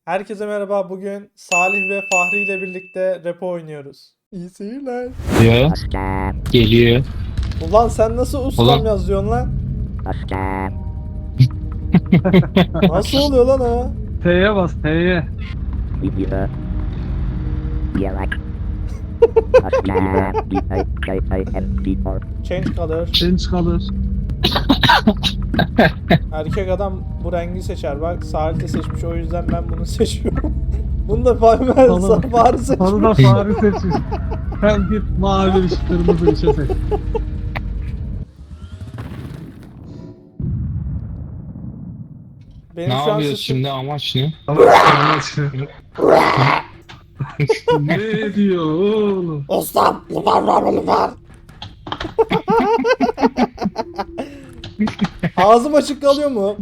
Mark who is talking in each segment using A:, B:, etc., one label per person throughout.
A: Herkese merhaba. Bugün Salih ve Fahri ile birlikte repo oynuyoruz. İyi seyirler.
B: Geliyor. Geliyor.
A: Ulan sen nasıl ustam
B: Ulan.
A: yazıyorsun lan? Nasıl oluyor lan o?
C: T'ye bas T'ye.
A: Change color.
C: Change kalır.
A: Erkek adam bu rengi seçer. Bak Salih de seçmiş, o yüzden ben bunu seçiyorum. Bunu da Fahri
C: Onu
A: seçmiş.
C: da Fahri seçmiş. Hem git mavi bir şey, kırmızı bir şey seç.
A: Benim
B: Ne
A: şu an
B: yapıyoruz
A: sesim...
B: şimdi, amaç ne?
C: Ne diyor oğlum?
A: Ustam var. Ağzım açık kalıyor mu?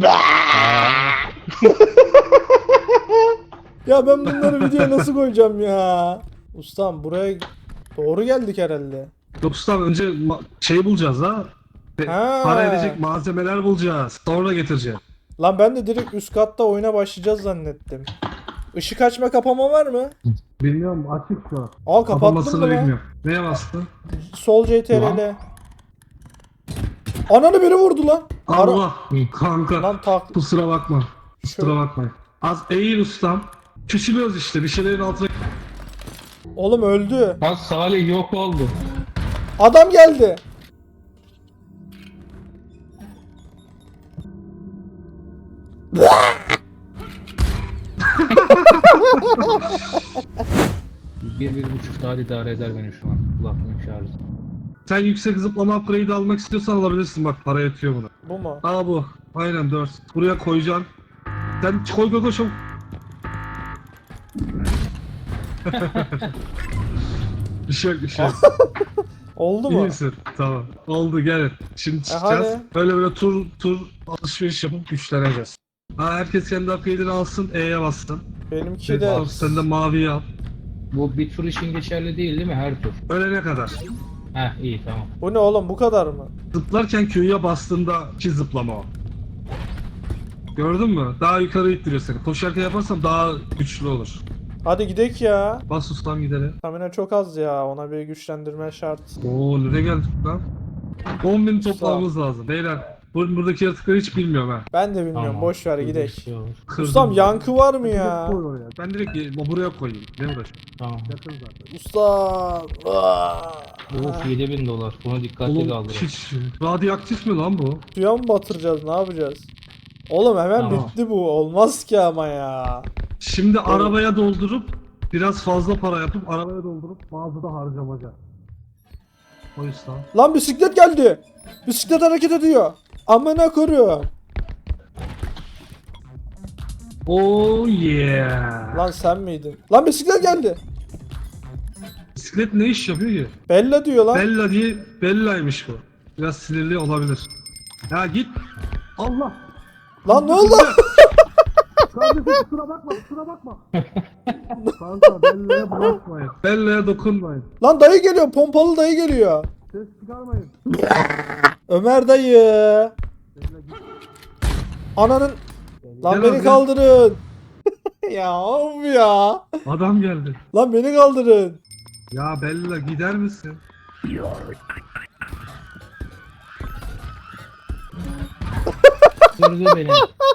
A: Ya ben bunları videoya nasıl koyacağım ya? Ustam buraya doğru geldik herhalde.
C: Yok ustam önce şey bulacağız ha.
A: Ha.
C: Para edecek malzemeler bulacağız. Sonra getireceğiz.
A: Lan ben de direkt üst katta oyuna başlayacağız zannettim. Işık açma kapama var mı?
C: Bilmiyorum açık şu an.
A: Aa kapattın
C: Kapanmasını
A: mı lan?
C: bilmiyorum. Neye bastın?
A: Sol CTRL. Ananı biri vurdu lan.
C: Allah kanka.
A: Lan tak.
C: Kusura bakma. Kusura
A: Şöyle.
C: bakmayın. Az eğil ustam. Küçülüyoruz işte bir şeylerin altına.
A: Oğlum öldü.
B: Bak Salih yok oldu.
A: Adam geldi.
B: Bir buçuk saat idare eder beni şu an. Kulaklığın şarjı.
C: Sen yüksek zıplama upgrade almak istiyorsan alabilirsin bak para yetiyor buna.
A: Bu mu?
C: Aa bu. Aynen 4. Buraya koyacaksın. Sen koy çabuk. Bir şey yok bir şey yok.
A: Oldu
C: İyi
A: mu?
C: misin? Tamam. Oldu gel. Şimdi çıkacağız.
A: hadi.
C: Böyle tur alışveriş yapıp güçleneceğiz. Ha herkes kendi upgrade'ini alsın. E'ye bassın.
A: Benimki de.
C: Sen de maviyi al.
B: Bu bir tur için geçerli değil mi, her tur?
C: Ölene kadar.
B: Heh, iyi tamam.
A: Bu ne oğlum, bu kadar mı?
C: Zıplarken Q'ya bastığında ki zıplama o. Gördün mü? Daha yukarı ittiriyor seni. Koşarken yaparsam daha güçlü olur.
A: Hadi gidek ya.
C: Bas ustam gidelim.
A: Stamina çok az ya. Ona bir güçlendirme şart.
C: Oo nereye geldik lan? 10.000 toplamamız lazım. Beyler buradaki yaratıkları hiç bilmiyorum ha.
A: Ben de bilmiyorum.
B: Tamam.
A: Boş ver
B: Bir
A: gidek.
B: şey olur.
C: Kırdım.
A: Ustam yankı var mı ya?
C: Koy oraya. Ben direkt buraya koyayım. Ne uğraşayım?
B: Tamam.
C: Yakın zaten.
A: Ustam.
B: Of, $7.000. Bunu dikkatli
C: Oğlum
B: kaldırın.
C: hiç radyoaktif mi lan bu?
A: Suya mı batıracağız? Ne yapacağız? Oğlum hemen
B: Tamam.
A: bitti bu. Olmaz ki ama ya.
C: Şimdi arabaya doldurup biraz fazla para yapıp arabaya doldurup mağazada harcamaca. O yüzden.
A: Lan bisiklet geldi. Bisiklet hareket ediyor. Amına koruyorum.
C: Oh yeah.
A: Lan sen miydin? Lan bisiklet geldi.
C: Bisiklet ne iş yapıyor ki?
A: Bella diyor lan.
C: Bella diye Bella'ymış bu. Biraz sinirli olabilir. Ya git. Allah.
A: Lan ne oldu?
C: Kardeşim kusura bakma. Kanka Bella'ya bulaşmayın. Bella'ya dokunmayın.
A: Lan dayı geliyor. Pompalı dayı geliyor.
C: Ses çıkarmayın.
A: Ömer dayı. Ananın. Lan
C: Gel
A: beni
C: abi.
A: kaldırın. Ya of ya.
C: Adam geldi.
A: Lan beni kaldırın.
C: Ya Bella gider misin?
B: Gördü beni.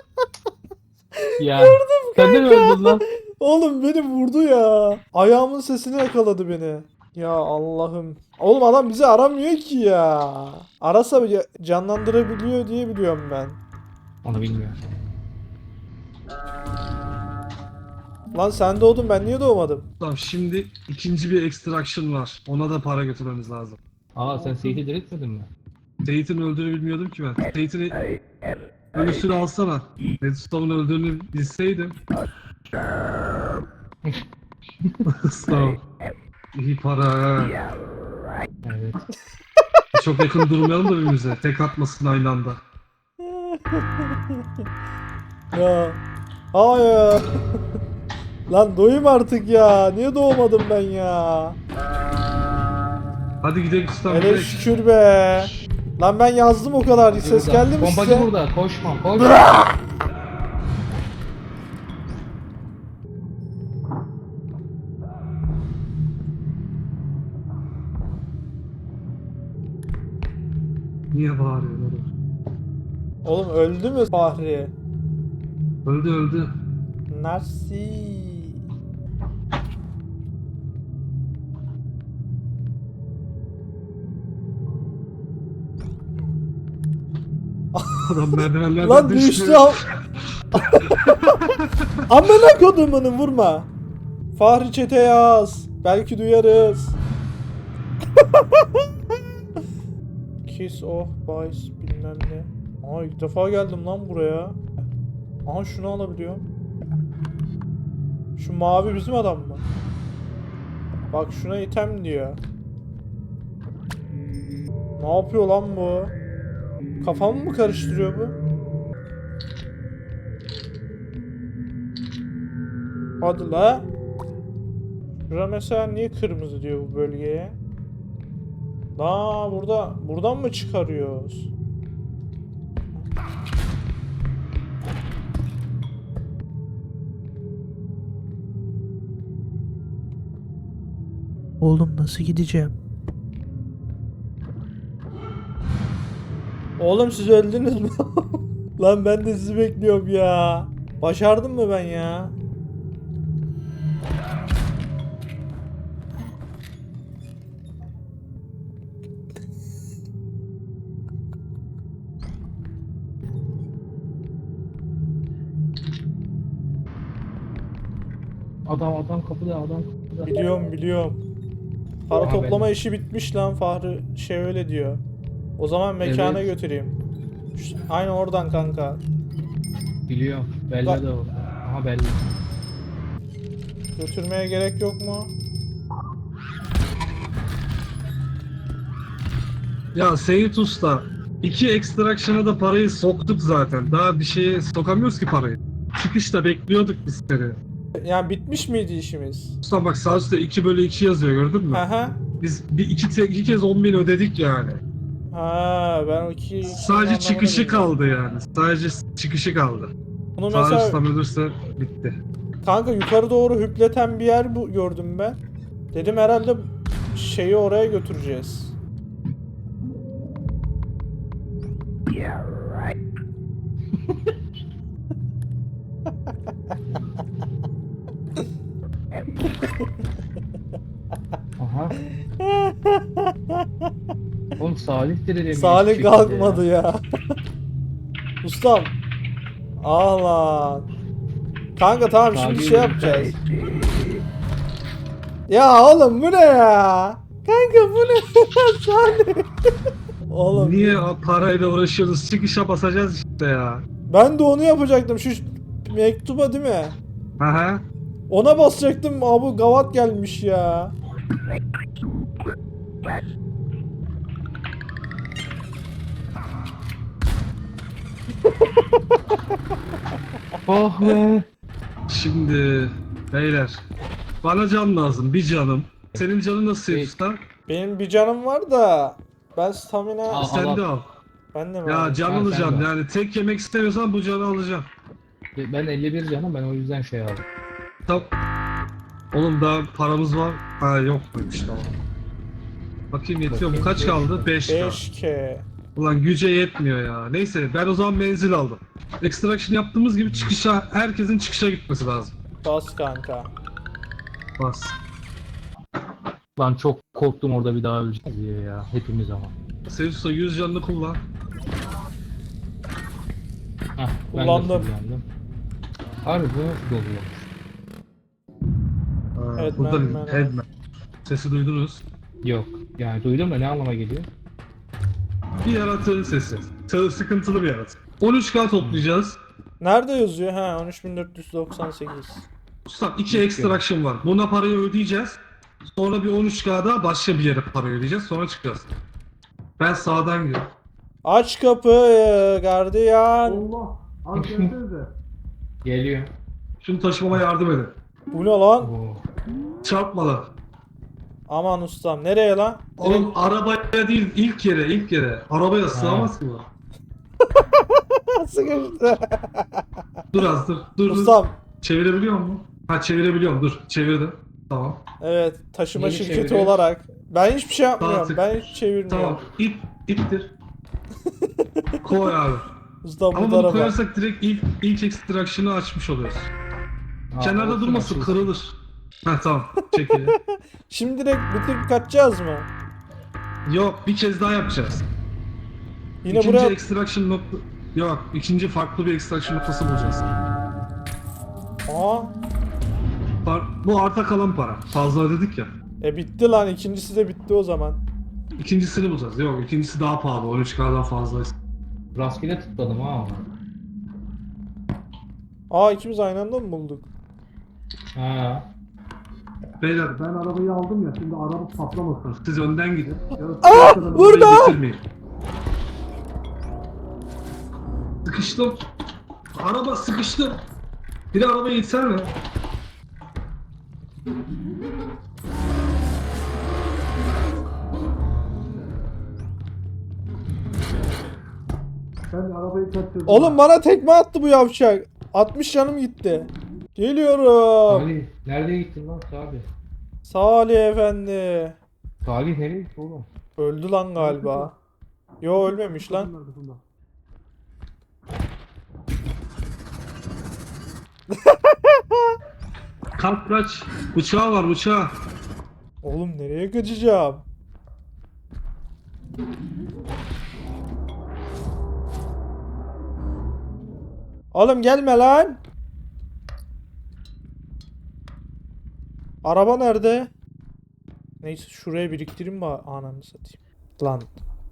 B: Ya. Sen de mi öldün lan?
A: Oğlum beni vurdu ya. Ayağımın sesini yakaladı beni. Ya Allah'ım. Oğlum adam bizi aramıyor ki ya. Arasa canlandırabiliyor diye biliyorum ben.
B: Onu bilmiyorum.
A: Lan sen doğdun, ben niye doğmadım?
C: Tamam şimdi ikinci bir extraction var. Ona da para götürmemiz lazım.
B: Aa, sen Seyit'i diriltmedin mi?
C: Seyit'in öldüğünü bilmiyordum ki ben. Seyit'in ölüsünü alsana. Redstone'un öldüğünü bilseydim. Sağ ol. İyi para ha.
B: Evet.
C: Çok yakın durmayalım da birbirimize. Tek atmasın aynı anda.
A: Ya. Hayır. Lan doyum artık ya. Niye doğmadım ben ya?
C: Hadi gidelim ustam
A: Hele
C: gidelim.
A: şükür be. Lan ben yazdım o kadar. Ses
B: Burada.
A: geldi mi
B: Pompacı
A: size?
B: burada. Koşma.
C: Niye bağırıyorsun oğlum?
A: Oğlum öldü mü Fahri?
C: Öldü öldü.
A: Narsi.
C: Adam merdivenlerden
A: Lan düştü am. Amına kodumunu vurma. Fahri çete yaz. Belki duyarız. Kiss of Boys bilmem ne. Aa ilk defa geldim lan buraya. Aha şunu alabiliyorum. Şu mavi bizim adam mı? Bak şuna item diyor. Ne yapıyor lan bu? Kafamı mı karıştırıyor bu? Hadi la. Şura mesela niye kırmızı diyor bu bölgeye? La buradan mı çıkarıyoruz? Oğlum nasıl gideceğim? Oğlum siz öldünüz mü? Lan ben de sizi bekliyorum ya. Başardım mı ben ya?
B: Adam kapıda, adam kapıda.
A: Biliyorum. Para
B: Aha,
A: toplama
B: benim.
A: işi bitmiş lan Fahri şey öyle diyor. O zaman mekana
B: Evet.
A: götüreyim. Aynı oradan kanka.
B: Biliyorum. Belli
A: Bak.
B: de orada. Aha belli.
A: Götürmeye gerek yok mu?
C: Ya Seyit Usta, 2 extraction'a da parayı soktuk zaten. Daha bir şeye sokamıyoruz ki parayı. Çıkışta bekliyorduk biz seni.
A: Yani bitmiş miydi işimiz?
C: Usta bak sağ üstte 2/2 yazıyor gördün mü?
A: Aha.
C: Biz iki kez 10.000 ödedik yani.
A: Ha ben o iki
C: Sadece
A: anlamını
C: çıkışı
A: bilmiyorum.
C: kaldı yani. Sadece çıkışı kaldı.
A: Bunu
C: Sağ
A: mesela
C: üstten ölürse bitti.
A: kanka yukarı doğru hüpleten bir yer bu gördüm ben. Dedim herhalde şeyi oraya götüreceğiz.
B: Aha. Oğlum Salih dedi
A: Salih kalkmadı ya. Ustam. Ah lan. Kanka tamam şimdi
B: Salih
A: şey
B: mi?
A: yapacağız. Ya oğlum bu ne ya? Kanka bu ne? Salih. Oğlum.
C: Niye parayla uğraşıyoruz? Çıkışa basacağız işte ya.
A: Ben de onu yapacaktım şu mektuba değil mi?
C: Aha.
A: Ona basacaktım abi gavat gelmiş ya.
B: Oh be.
C: Şimdi beyler bana can lazım bir canım. Senin canın nasıl
B: Hey.
C: Usta?
A: Benim bir canım var da ben stamina
B: Al.
C: Sen de al.
A: ben de mi
C: Ya
A: alayım?
C: can
B: Ha, sen
C: alacağım
B: de al.
C: yani tek yemek istemiyorsan bu canı alacağım.
B: Ben 51 canım, ben o yüzden şey aldım.
C: Tamam. Oğlum daha paramız var. Ha yok muymuş tamam. Bakayım yetiyor mu?
B: Bakayım,
C: Kaç kaldı? 5 kaldı.
A: 5K.
C: Ulan güce yetmiyor ya. Neyse ben o zaman menzil aldım. Extraction yaptığımız gibi çıkışa, herkesin çıkışa gitmesi lazım.
A: Bas kanka.
C: Bas.
B: Lan çok korktum orada bir daha öleceğiz diye ya. Hepimiz ama.
C: Sevsusa 100 canını kullan.
B: Hah, ben
A: Kullandım.
B: de kullandım. Abi bu nasıl doluyor?
C: Burada
A: Headman,
C: headman. Sesi duydunuz.
B: Yok. Yani duydum da ne anlama geliyor?
C: Bir yaratığın sesi. Sıkıntılı bir yaratık. 13K toplayacağız.
A: Nerede yazıyor? Ha 13498.
C: Ustam 2 extraction var. Buna parayı ödeyeceğiz. Sonra bir 13K'da başka bir yere para ödeyeceğiz. Sonra çıkacağız. Ben sağdan gidiyorum.
A: Aç kapıyı gardiyan.
C: Allah! Az gelsenize.
B: Geliyor.
C: Şunu taşımama yardım edin.
A: Bu ne lan?
B: Oo.
C: Çarpmadan.
A: Aman ustam nereye lan?
C: Oğlum arabaya değil ilk yere. Arabaya sığamaz ki bu.
A: Sıkıştı.
C: Dur az dur. Dur.
A: Ustam.
C: Çevirebiliyor musun? Ha çevirebiliyorum dur. Çevirdim. Tamam.
A: Evet taşıma
B: Neyi
A: şirketi
B: çeviriyorsun?
A: olarak. Ben hiçbir şey yapmıyorum.
C: Artık.
A: Ben hiç çevirmiyorum.
C: Tamam. İttir. Koy abi.
A: Usta
C: Ama
A: bu
C: bunu
A: tarafa.
C: koyarsak direkt ilk extraction'ı açmış oluyoruz.
B: Aa,
C: Kenarda
B: olsun,
C: durmasın,
B: olsun.
C: kırılır. Heh tamam, çekil.
A: Şimdi direkt bitirip kaçacağız mı?
C: Yok, bir kez daha yapacağız.
A: Yine
C: İkinci
A: buraya...
C: extraction nokta... Yok, ikinci farklı bir extraction noktası bulacağız.
A: Aa.
C: Bu arta kalan para. Fazla ödedik ya.
A: Bitti lan. İkincisi de bitti o zaman.
C: İkincisini bulacağız. Yok, ikincisi daha pahalı. 13K'dan fazla.
B: Rastgele tıkladım ha ama.
A: İkimiz aynı anda mı bulduk?
B: Ha.
C: Beyler ben arabayı aldım ya, şimdi araba patlamasın. Siz önden gidin.
A: Burada!
C: Sıkıştım. Araba sıkıştı. Biri arabaya gitsene. Ben arabayı kaçırdım.
A: Oğlum bana tekme attı bu yavşak. 60 canım gitti. Geliyorum.
B: Salih nereye gittin lan Salih?
A: Salih efendi.
B: Salih nereye gitti oğlum?
A: Öldü lan galiba. Yo ölmemiş lan.
C: Kalk kaç. Bıçağı var bıçağı.
A: Oğlum nereye kaçacağım? Oğlum gelme lan. Araba nerede? Neyse şuraya biriktireyim mi ananı satayım. Lan.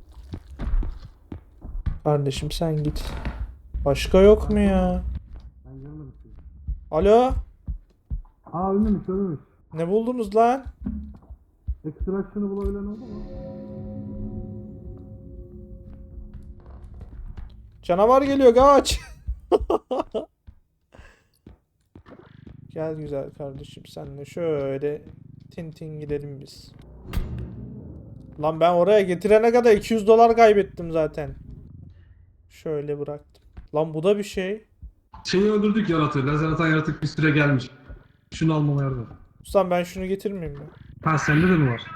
A: Kardeşim sen git. Başka yok mu ya? Alo?
C: Ölmemiş.
A: Ne buldunuz lan?
C: Extraction'ı bulabilen oldu mu?
A: Canavar geliyor kaç. Gel güzel kardeşim senle şöyle tin gidelim biz. Lan ben oraya getirene kadar 200 dolar kaybettim zaten. Şöyle bıraktım. Lan bu da bir şey.
C: Şeyi öldürdük yaratığı. Lazer atan yaratık bir süre gelmiş. Şunu almama yardım et.
A: Ustam ben şunu getirmeyeyim mi?
C: Ha sende de mi var?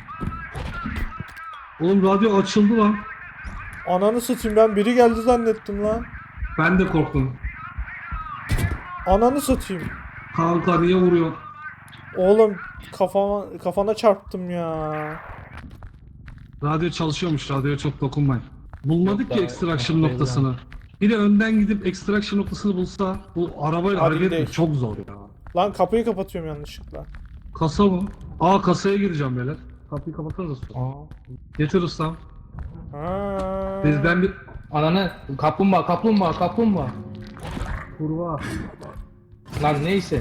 C: Oğlum radyo açıldı lan.
A: Ananı satayım ben biri geldi zannettim lan.
C: Ben de korktum.
A: Ananı satayım.
C: Kanka niye vuruyor?
A: Oğlum kafana çarptım ya.
C: Radyo çalışıyormuş. Radyoya çok dokunmayın. Bulmadık
B: Yok
C: ki
B: daha-
C: extraction
B: yok,
C: noktasını. Biri önden gidip extraction noktasını bulsa bu arabayla
A: Hadi
C: hareket etmek
A: gidelim.
C: çok zor ya.
A: Lan kapıyı kapatıyorum yanlışlıkla.
C: Kasa mı? Kasaya gireceğim beyler. Kapıyı kapatırız usta.
B: Aa.
C: Getir ustam.
A: Ha.
C: Bizden bir
B: Ananı kaplumbağa.
C: kurva.
B: Lan neyse.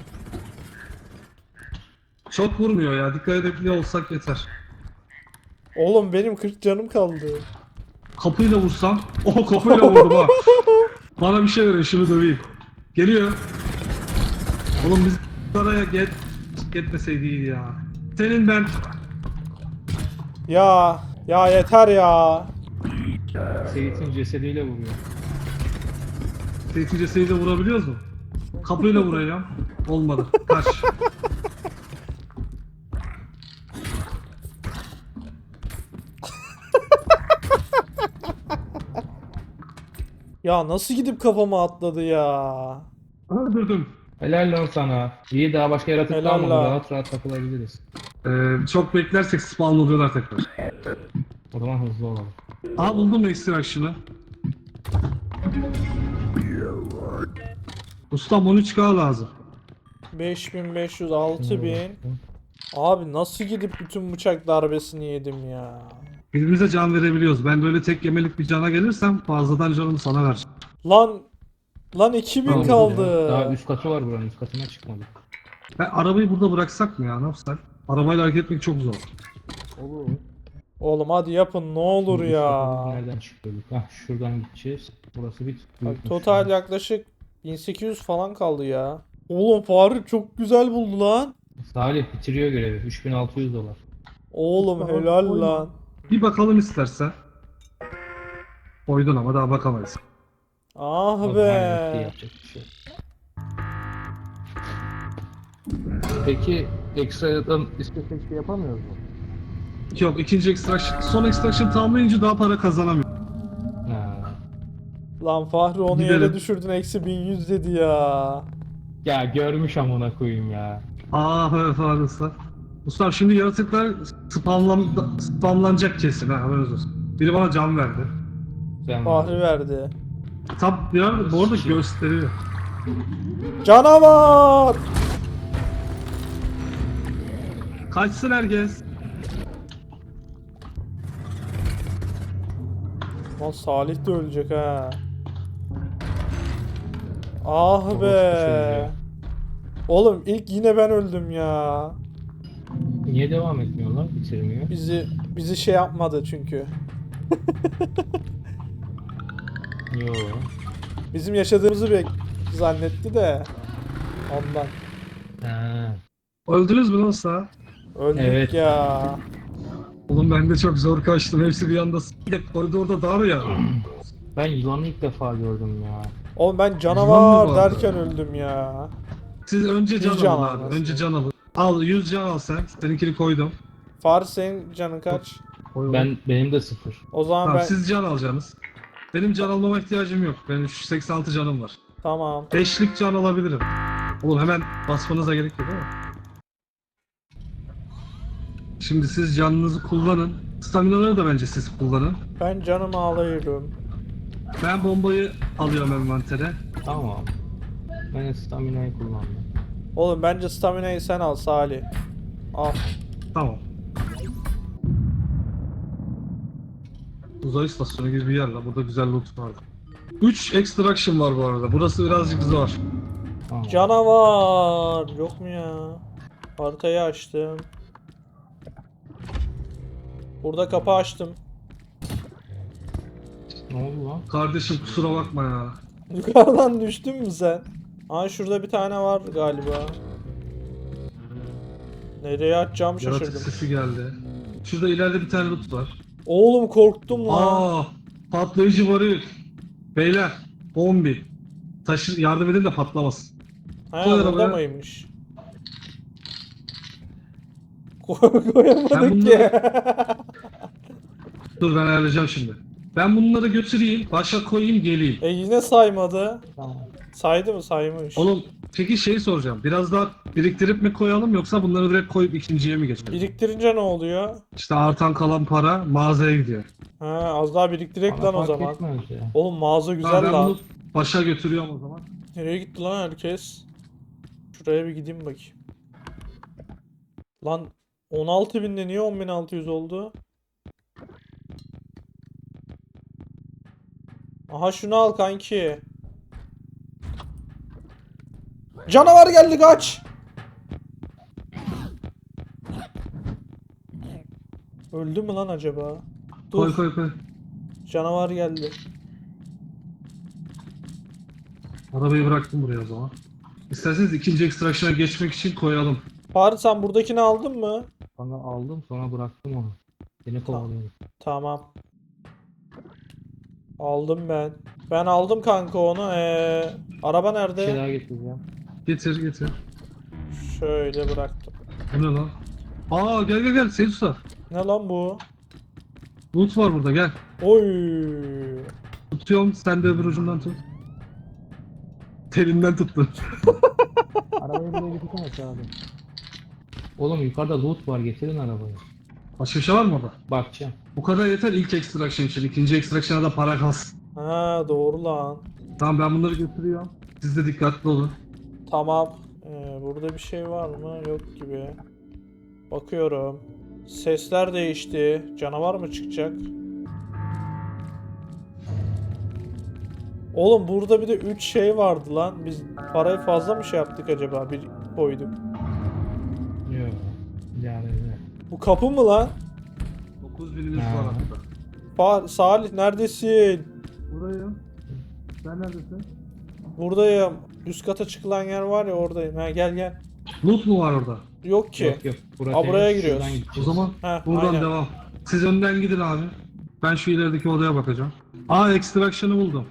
C: Çok vurmuyor ya. Dikkat edebiliyor olsak yeter.
A: Oğlum benim 40 canım kaldı.
C: Kapıyla vursam. Kapıyla vurdum ha. Bana bir şey verin şunu döveyim. Geliyor. Oğlum biz araya gitmeseydi iyiydi ya. Senin ben
A: Ya yeter ya.
B: Seyit'in cesediyle vuruyor.
C: Seyirciyi de vurabiliyoruz mu? Kapıyla vuracağım. Olmadı. Kaç.
A: Ya nasıl gidip kafama atladı ya.
C: Öldürdüm.
B: Helal lan sana. İyi daha başka yaratık
A: Helal
B: kalmadı.
A: lan.
B: Rahat rahat takılabiliriz.
C: Çok beklersek spawn oluyorlar tekrar.
B: O zaman hızlı olalım.
C: Buldum extraction'ı. Ustam 13K lazım.
A: 5500 6000. Abi nasıl gidip bütün bıçak darbesini yedim ya.
C: Birbirimize can verebiliyoruz. Ben böyle tek yemelik bir cana gelirsem fazladan canımı sana vereceğim.
A: Lan 2000
C: Tamam,
A: kaldı.
B: Daha üst katı var buranın, üst katına çıkmadık.
C: Ben arabayı burada bıraksak mı ya? Ne yapsak? Arabayla hareket etmek çok zor.
B: Olur.
A: Oğlum hadi yapın ne olur
B: Üst
A: ya.
B: katımız nereden çıkıyorduk? Şuradan gideceğiz. Burası bir
A: Bak,
B: büyükmüş
A: total
B: yani.
A: yaklaşık 1800 falan kaldı ya. Oğlum Faruk çok güzel buldu lan.
B: Salih bitiriyor görevi. 3600 dolar.
A: Oğlum helal lan.
C: Bir bakalım istersen. Koydun ama daha bakamayız.
A: Ah
B: O zaman bitti,
A: be.
B: yapacak bir şey yok. Peki ekstradan istesek şey yapamıyoruz mu?
C: Yok ikinci extraction. Son extraction tamamlayınca daha para kazanamıyor.
A: Lan Fahri onu
C: Gidelim.
A: yere düşürdün, eksi 1100 dedi ya.
B: Ya görmüş amına koyayım ya.
C: Evet abi usta. Ustam şimdi yaratıklar spamlanacak kesin ha, haberiniz olsun. Biri bana can verdi.
B: Sen
A: Fahri verdi.
C: Tam ya bu arada gösteriyor.
A: Canavar!
C: Kaçsın herkes.
A: Lan Salih de ölecek ha. Ah
B: Orospu
A: be.
B: çocuğu.
A: Oğlum ilk yine ben öldüm ya.
B: Niye devam etmiyorlar? Bitirmiyor.
A: Bizi şey yapmadı çünkü.
B: Yo.
A: Bizim yaşadığımızı zannetti de. Ondan.
B: Ha.
C: Öldünüz mü lan usta?
A: Öldük
B: Evet.
A: ya.
C: Oğlum ben de çok zor kaçtım. Hepsi bir anda koridorda dar ya.
B: Ben yılanı ilk defa gördüm ya.
A: Oğlum ben
C: Yılan
A: canavar
C: mı vardı?
A: derken öldüm ya.
C: Siz önce can
A: 100 can
C: alın
A: al
C: abi.
A: aslında.
C: Önce can alın. Al 100 can al sen. Seninkini koydum.
A: Fahri senin canın kaç?
B: Benim de 0.
A: O zaman
C: Tamam
A: ben...
C: siz can alacaksınız. Benim can almama ihtiyacım yok. Benim 86 canım var.
A: Tamam.
C: 5'lik can alabilirim. Oğlum hemen basmanıza gerek yok değil mi? Şimdi siz canınızı kullanın. Staminaları da bence siz kullanın.
A: Ben canımı alıyorum.
C: Ben bombayı alıyorum envantere.
B: Tamam. Ben stamina'yı kullandım.
A: Oğlum bence stamina'yı sen al Salih. Al.
C: Tamam. Uzay istasyonu gibi bir yer la. Burada güzel loot vardı. 3 extraction var bu arada. Burası birazcık zor.
B: Tamam.
A: Canavar! Yok mu ya? Haritayı açtım. Burada kapı açtım.
B: Ne oldu lan?
C: Kardeşim kusura bakma ya.
A: Yukarıdan düştün mü sen? Aa şurada bir tane var galiba. Nereye açacağımı
C: Yaratık
A: şaşırdım.
C: sesi geldi. Şurada ileride bir tane loot var.
A: Oğlum korktum lan.
C: Patlayıcı varil. Beyler, bombi. Yardım edin de patlamasın.
A: Ha
C: koy
A: burada
C: arabaya.
A: mıymış?
C: Ben
A: Koyamadık
C: bunları-
A: ki.
C: Dur ben ayarlayacağım şimdi. Ben bunları götüreyim, başa koyayım, geleyim.
A: Yine saymadı.
B: Tamam.
A: Saydı mı? Saymış.
C: Oğlum peki şey soracağım. Biraz daha biriktirip mi koyalım yoksa bunları direkt koyup ikinciye mi geçelim?
A: Biriktirince ne oluyor?
C: İşte artan kalan para mağazaya gidiyor.
A: Ha az daha biriktirek
B: Bana
A: lan o
B: fark
A: zaman.
B: etmez ya.
A: Oğlum mağaza güzel
C: Tamam, ben
A: lan.
C: bunu başa götürüyorum o zaman.
A: Nereye gitti lan herkes? Şuraya bir gideyim bakayım. Lan 16.000'de niye 10.600 oldu? Aha şunu al kanki. Canavar geldi kaç. Öldü mü lan acaba? Dur.
C: Koy koy koy.
A: Canavar geldi.
C: Arabayı bıraktım buraya o zaman. İsterseniz ikinci extraction'a geçmek için koyalım.
A: Fahri sen buradakini aldın mı?
B: Bana aldım sonra bıraktım onu. Seni kovalıyorum.
A: Tamam. Aldım ben. Ben aldım kanka onu. Araba
B: Bir şey
A: nerede?
B: daha getireceğim.
C: Getir getir.
A: Şöyle bıraktım.
C: Bu ne lan? Gel gel gel Seyit Usta.
A: Ne lan bu?
C: Loot var burada gel.
A: Oy.
C: Tutuyorum sen de öbür ucundan tut. Telinden tuttun.
B: Arabayı buraya getirsene abi. Oğlum yukarıda loot var, getirin arabayı.
C: Başka bir şey var mı orada?
B: Bakacağım.
C: Bu kadar yeter ilk extraction için. İkinci extraction'a da para kalsın.
A: Ha doğru lan.
C: Tamam ben bunları götürüyorum. Siz de dikkatli olun.
A: Tamam. Burada bir şey var mı? Yok gibi. Bakıyorum. Sesler değişti. Canavar mı çıkacak? Oğlum burada bir de 3 şey vardı lan. Biz parayı fazla mı şey yaptık acaba? Bir koyduk.
B: Yok. Yani ne?
A: Bu kapı mı lan?
C: 9000'imiz
B: Ha.
C: var hatta.
A: Salih neredesin?
C: Buradayım. Sen neredesin?
A: Buradayım. Üst kata çıkılan yer var ya oradayım. Ha gel gel.
C: Loot mu var orada?
A: Yok ki.
B: Yok yok.
A: Buraya
B: temiz,
A: giriyoruz.
B: şuradan
C: O
B: gideceğiz.
C: zaman
A: Heh,
C: buradan
A: aynen.
C: devam. Siz önden gidin abi. Ben şu ilerideki odaya bakacağım. Extraction'ı buldum.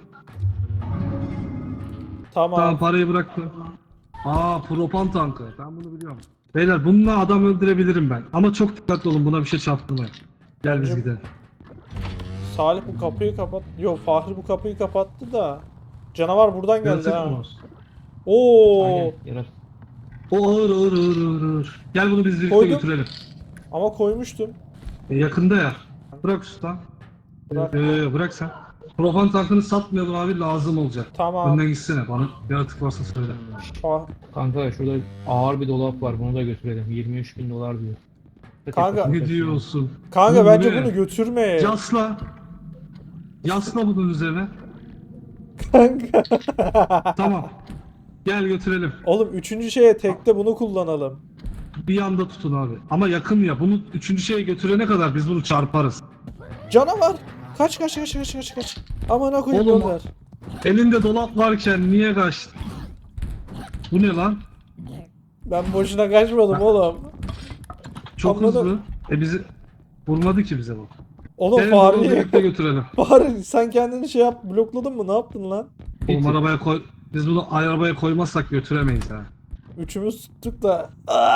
A: Tamam.
C: Tamam parayı bıraktım. Propan tankı. Ben bunu biliyorum. Beyler bununla adam öldürebilirim ben. Ama çok dikkatli olun buna bir şey çarptırmayın. Gel biz
A: Bence-
C: gidelim.
A: Salih bu kapıyı kapat. Yok Fahri bu kapıyı kapattı da. Canavar buradan geldi
C: Yaratık
A: ha.
C: mı var?
A: Oo.
B: Aynen. Yarat.
C: O ağır ağır ağır ağır ağır. Gel bunu biz birlikte
A: Koydum.
C: götürelim.
A: Ama koymuştum.
C: Yakında ya. Bırak usta.
A: Bırak.
C: Bırak sen. Profan tankını satmayalım abi, lazım olacak.
A: Tamam.
C: Önden gitsene, bana yaratık varsa söyle.
A: Fa-
B: Kanka şurada ağır bir dolap var. Bunu da götürelim. 23.000 dolar diyor.
A: Kanka-
C: Ne diyorsun?
A: Kanka
C: Bu
A: bence
C: ne?
A: bunu götürme.
C: Yasla. Yasla bunun üzerine.
A: Kanka.
C: Tamam. Gel götürelim.
A: Oğlum üçüncü şeye tekte bunu kullanalım.
C: Bir yanda tutun abi. Ama yakın ya. Bunu üçüncü şeye götürene kadar biz bunu çarparız.
A: Canavar. Kaç kaç kaç kaç kaç kaç. Amına koyayım
C: Oğlum,
A: Önder.
C: Elinde dolap varken niye kaçtın? Bu ne lan?
A: Ben boşuna kaçmadım oğlum.
C: Çok
A: Anladım.
C: hızlı. Bizi vurmadı ki bize bu.
A: Oğlum
C: Gelin bunu
A: Fahri.
C: birlikte götürelim.
A: Fahri sen kendini şey yap blokladın mı? Ne yaptın lan?
C: Oğlum arabaya koy. Biz bunu arabaya koymazsak götüremeyiz ha.
A: Üçümüz tuttuk da.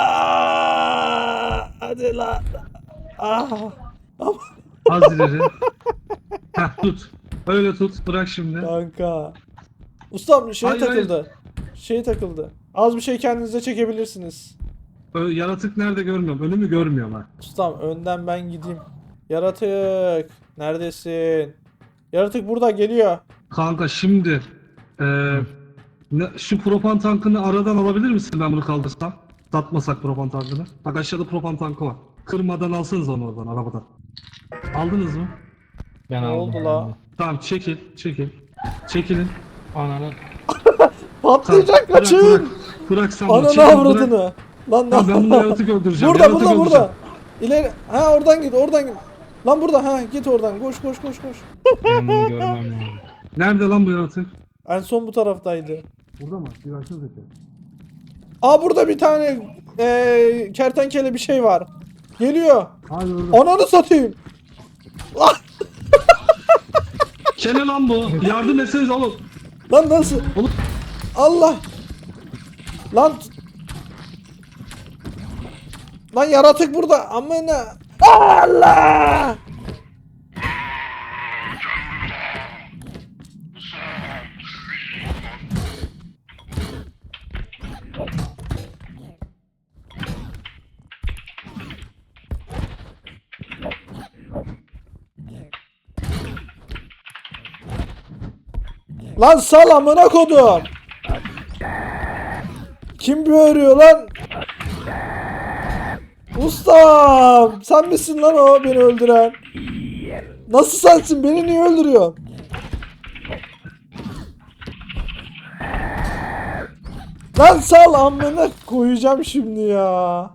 A: Aa, hadi lan. Ah.
C: Az ileri. Heh, tut. Öyle tut. Bırak şimdi.
A: Kanka. Ustam şey
C: Hayır,
A: takıldı. Şey takıldı. Az bir şey kendinize çekebilirsiniz.
C: Yaratık nerede görmüyorum. Önümü görmüyorum ha.
A: Ustam önden ben gideyim. Yaratık. Neredesin? Yaratık burada geliyor.
C: Kanka şimdi şu propan tankını aradan alabilir misin, ben bunu kaldırsam? Satmasak propan tankını. Bak aşağıda propan tankı var. Kırmadan alsanız onu oradan, arabadan. Aldınız mı?
B: Ben
A: Ne
B: aldım.
A: oldu
B: ben
A: la?
B: de.
C: Tamam, çekil. Çekilin.
B: Ananı.
A: Patlayacak
C: Bırak,
A: kaçın.
C: bırak. Bırak sen bunu.
A: Ananı
C: Çekil, bırak.
A: avradını. Lan
C: Tamam, ben bunu yaratık öldüreceğim.
A: Burada
C: Yaratık
A: burada
C: öldüreceğim.
A: burada. İleri. Ha oradan git oradan git. Lan burada ha git oradan. Koş koş koş koş.
B: Ben bunu görmem lazım.
C: Nerede lan bu yaratık?
A: En son bu taraftaydı.
C: Burada mı? Bir açsana zeki.
A: Aa burada bir tane kertenkele bir şey var. Geliyor.
C: Hadi orada.
A: Ananı satayım. Lan,
C: Kene lan bu. Yardım etseniz oğlum.
A: lan nasıl?
C: Oğlum.
A: Allah. Lan. Lan yaratık burada. Amına. Allah. Lan sal amına kodum. Kim böğürüyor lan? Ustam! Sen misin lan o beni öldüren? Nasıl sensin? Beni niye öldürüyorsun? Lan sal amına koyacağım şimdi ya.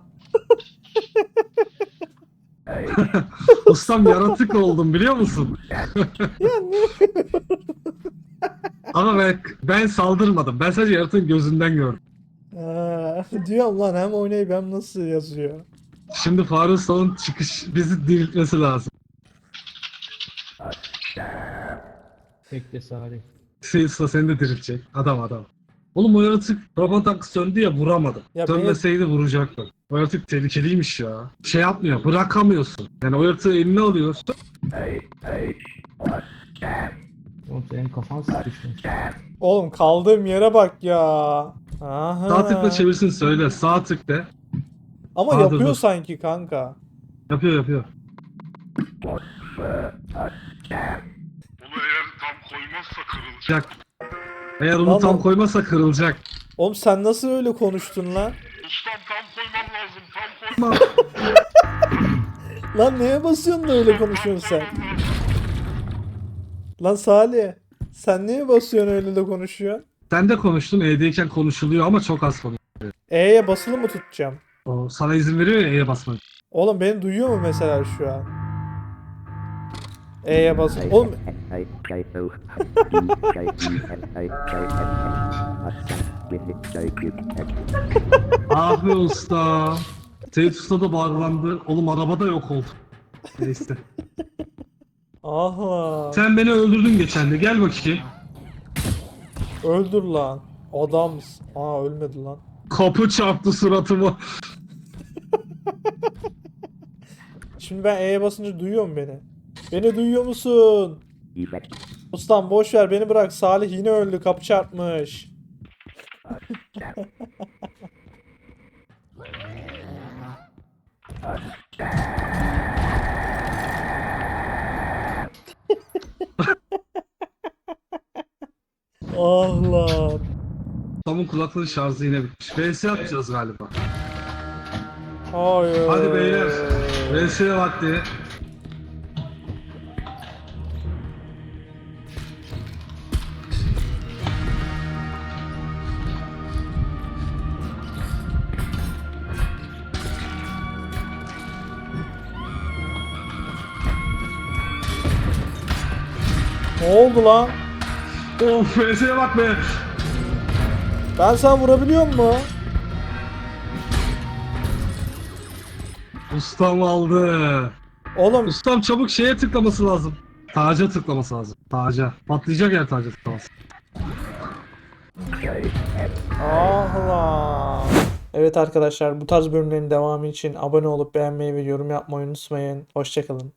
C: Ustam yaratık oldum, biliyor musun?
A: Ya ne?
C: Ama ben saldırmadım. Ben sadece yaratığın gözünden gördüm.
A: Diyorum lan hem oynayıp hem nasıl yazıyor.
C: Şimdi Faruk Usta'nın bizi diriltmesi lazım.
B: Bekle Salih.
C: Usta seni de diriltecek. Adam. Oğlum o yaratık robot tankı söndü ya, vuramadım.
A: Ya
C: Sönmeseydi vuracaktım. O yaratık tehlikeliymiş ya. Şey yapmıyor, bırakamıyorsun. Yani o yaratığı eline alıyorsun.
B: Oğlum senin kafan sıkışmış.
A: Oğlum kaldığım yere bak ya. Aha.
C: Sağ tıkla çevirsin söyle. Sağ tık de.
A: Ama
C: Aa,
A: yapıyor
C: dur.
A: sanki kanka.
C: Yapıyor.
D: Bunu eğer tam koymazsa kırılacak.
C: Yapacak. Eğer onu
A: Vallahi-
C: tam koymazsa kırılacak.
A: Oğlum sen nasıl öyle konuştun lan?
D: Ustam tam koyman lazım. Tam koyman
A: Lan neye basıyorsun da öyle konuşuyorsun sen? Lan Salih. Sen niye basıyorsun öyle de konuşuyorsun?
C: Sen de konuştun, E'deyken konuşuluyor ama çok az konuşuyor.
A: E'ye basılı mı tutacağım?
C: O sana izin veriyor ya E'ye basmak.
A: Oğlum beni duyuyor mu mesela şu an? E'ye bas. Oğlum
C: Abi usta. Seyit Usta da bağırlandı. Oğlum arabada yok oldu. Neyse.
A: aha.
C: Sen beni öldürdün geçen de. Gel bakayım.
A: Öldür lan. Adamsın. Aa ölmedi lan.
C: Kapı çarptı suratıma.
A: Şimdi ben E'ye basınca duyuyor mu beni? Beni duyuyor musun? Ustam boş ver beni bırak. Salih yine öldü. Kapı çarpmış. Ah lan.
C: Tom'un kulaklığı şarjı yine bitmiş. VS yapacağız galiba.
A: Hayır.
C: Hadi beyler. VS vakti.
A: Ne oldu lan?
C: Of VS'ye bak be.
A: Ben sana vurabiliyor mu?
C: Ustam aldı.
A: Oğlum
C: Ustam çabuk şeye tıklaması lazım. Taca tıklaması lazım. Taca. Patlayacak yer taca tıklaması.
A: ah lan. Evet arkadaşlar bu tarz bölümlerin devamı için abone olup beğenmeyi ve yorum yapmayı unutmayın. Hoşçakalın.